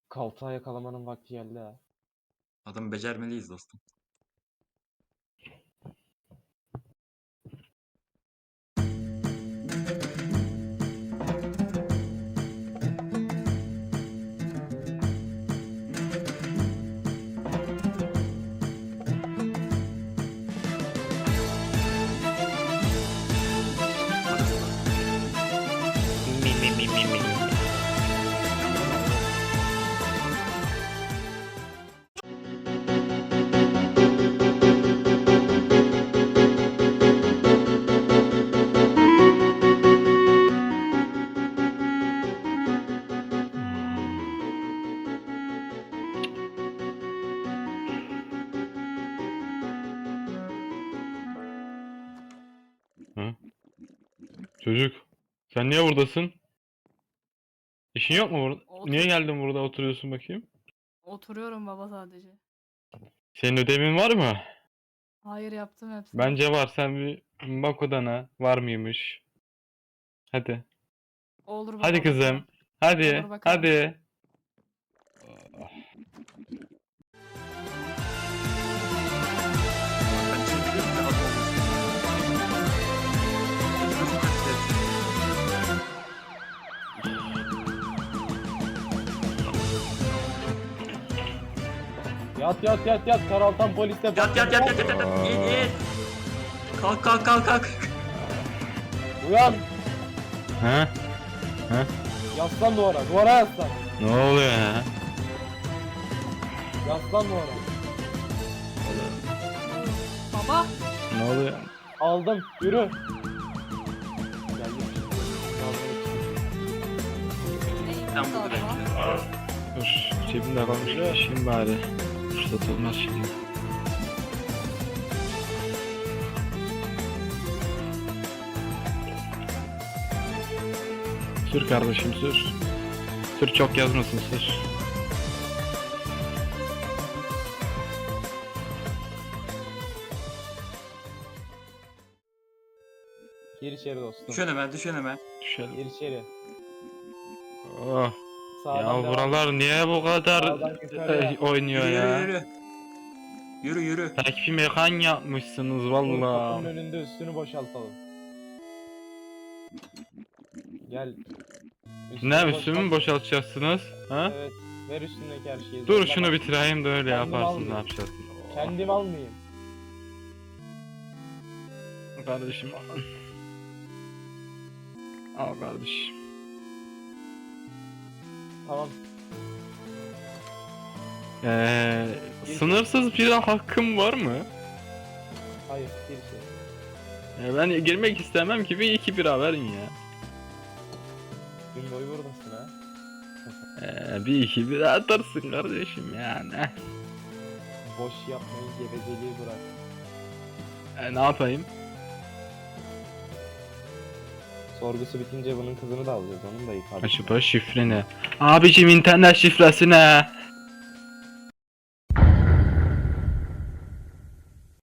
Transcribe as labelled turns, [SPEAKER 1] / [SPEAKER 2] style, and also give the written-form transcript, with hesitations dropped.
[SPEAKER 1] Kaltağı yakalamanın vakti geldi ha.
[SPEAKER 2] Adamı becermeliyiz dostum.
[SPEAKER 3] Hı? Çocuk, sen niye buradasın? İşin yok mu burada? Niye geldin burada oturuyorsun bakayım?
[SPEAKER 4] Oturuyorum baba sadece.
[SPEAKER 3] Senin ödevin var mı?
[SPEAKER 4] Hayır, yaptım hepsini.
[SPEAKER 3] Bence var. Sen bir bak odana. Var mıymış? Hadi.
[SPEAKER 4] Olur baba,
[SPEAKER 3] Hadi kızım.
[SPEAKER 4] bakalım.
[SPEAKER 3] Hadi.
[SPEAKER 4] Olur, bakalım.
[SPEAKER 3] Hadi.
[SPEAKER 2] Ben şimdi biliyorum ki adam olmuş. Çocuk kaçtı.
[SPEAKER 1] Yat yat yat yat. Karaltan poliste
[SPEAKER 2] Yat yat yat yat yat yat. İn in. Kalk kalk kalk kalk.
[SPEAKER 1] Uyan.
[SPEAKER 3] Ha?
[SPEAKER 1] Yaslan duvara. Duvara yaslan.
[SPEAKER 3] Ne oluyor ya?
[SPEAKER 1] Yaslan duvara.
[SPEAKER 4] Baba.
[SPEAKER 3] Ne oluyor?
[SPEAKER 1] Aldım. Yürü. Geldim.
[SPEAKER 2] Sen burada bekle.
[SPEAKER 3] Dur. Cebimde kalmış. İşim bari. Fırsat olmaz şimdi. Sür kardeşim sür. Sür, çok yazmasın, sür.
[SPEAKER 1] Gir içeri dostum.
[SPEAKER 2] Düşün hemen düşün hemen.
[SPEAKER 3] Düşelim.
[SPEAKER 1] Gir içeri.
[SPEAKER 3] Oh.
[SPEAKER 1] Sağdan
[SPEAKER 3] Ya
[SPEAKER 1] devam.
[SPEAKER 3] buralar niye bu kadar
[SPEAKER 1] Sağdan yukarıya.
[SPEAKER 3] oynuyor
[SPEAKER 2] Yürü
[SPEAKER 3] ya?
[SPEAKER 2] yürü yürü. Yürü yürü.
[SPEAKER 3] Takvim mekan yapmışsınız
[SPEAKER 1] Dur,
[SPEAKER 3] valla.
[SPEAKER 1] kapının önünde üstünü boşaltalım. Gel. Üstünü
[SPEAKER 3] Ne üstümü mü
[SPEAKER 1] boşalt.
[SPEAKER 3] boşaltacaksınız? Ha?
[SPEAKER 1] Evet. Ver üstündeki her şeyi.
[SPEAKER 3] Dur
[SPEAKER 1] zorlama.
[SPEAKER 3] şunu bitireyim de öyle
[SPEAKER 1] Kendim
[SPEAKER 3] yaparsın,
[SPEAKER 1] almayayım.
[SPEAKER 3] ne yapacaksın? Oh.
[SPEAKER 1] Kendim almayayım.
[SPEAKER 3] Kardeşim al. Al kardeşim.
[SPEAKER 1] Tamam.
[SPEAKER 3] Sınırsız bira hakkım var mı?
[SPEAKER 1] Hayır. Gir içeri.
[SPEAKER 3] Ben girmek istemem ki, bir iki bira verin ya.
[SPEAKER 1] Gün boyu buradasın ha.
[SPEAKER 3] Bir iki bira atarsın kardeşim yani.
[SPEAKER 1] Boş yapmayı, gevezeliği bırak.
[SPEAKER 3] Ne yapayım?
[SPEAKER 1] Sorgusu bitince bunun kızını da alacağız. Onun da yıkar.
[SPEAKER 3] Acaba şifre ne? Abicim internet şifresi ne?